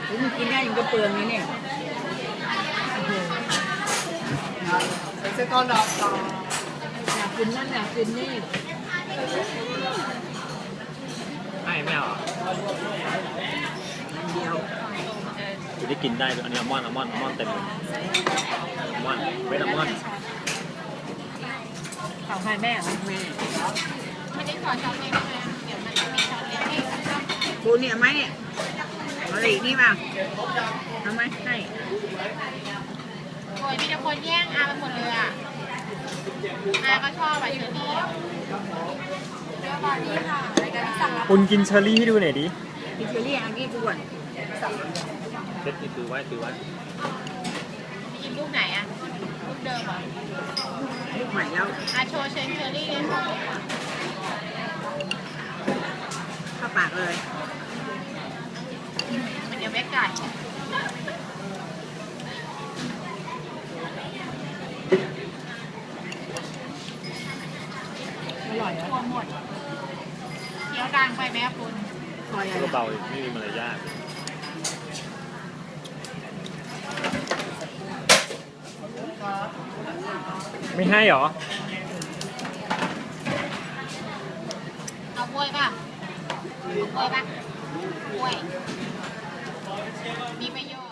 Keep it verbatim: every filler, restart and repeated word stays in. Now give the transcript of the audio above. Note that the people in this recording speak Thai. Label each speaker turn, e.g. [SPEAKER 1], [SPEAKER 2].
[SPEAKER 1] มันกินได้ยังกระเปืองนี่เนี่ยเซตอนดอกต่ออยากกินนั่นอยากกินนี่
[SPEAKER 2] ไม่ไม่เอา
[SPEAKER 1] อันเดียว
[SPEAKER 2] จะได้กินได้อันนี้อัลมอนด์อัลมอนด์อัลมอนด์เต็มเลยอัลมอนด์เวทอัลมอนด์
[SPEAKER 1] ของใครแม่ของแม่
[SPEAKER 3] ไม่ได้ขอช้อนเล็กเลยเดี๋ยวมันจะมีช้อนเล็กให้
[SPEAKER 1] ปูเนี่ยไหมเนี่ยเอาอะไรนี่มาทำไหมให้
[SPEAKER 3] โอ้ยมีแต่คนแย่งอาไปหมดเลยอ่ะอาก็ชอบแบบเชอรี่เดี๋ยวตอนนี้ค่ะรายการที่สั่งรับ
[SPEAKER 2] คุณกินเชอรี่ให้ดูหน่อยดิ
[SPEAKER 1] กินเชอรี่อันนี้กูก่อน
[SPEAKER 2] เซ็ตนี่ถือไว้ถือไว้
[SPEAKER 3] กินลูกไหนอ่ะลูกเดิมเหรอ
[SPEAKER 1] ลูกใหม่แล้ว
[SPEAKER 3] อาโชว์เชนเชอรี่เลย
[SPEAKER 1] เข้าปากเลย
[SPEAKER 3] มันเดี๋ยวแม่ไก่
[SPEAKER 1] อร่อยอ่ะ
[SPEAKER 3] หมดเคี้ยวดังไปไหมคุณ
[SPEAKER 1] คอยอะไร
[SPEAKER 2] เบาๆไม่มีมารยาทไม่ให้หรอ
[SPEAKER 3] เอากล้วยป่ะเอากล้วยป่ะกล้วยมีประโยชน์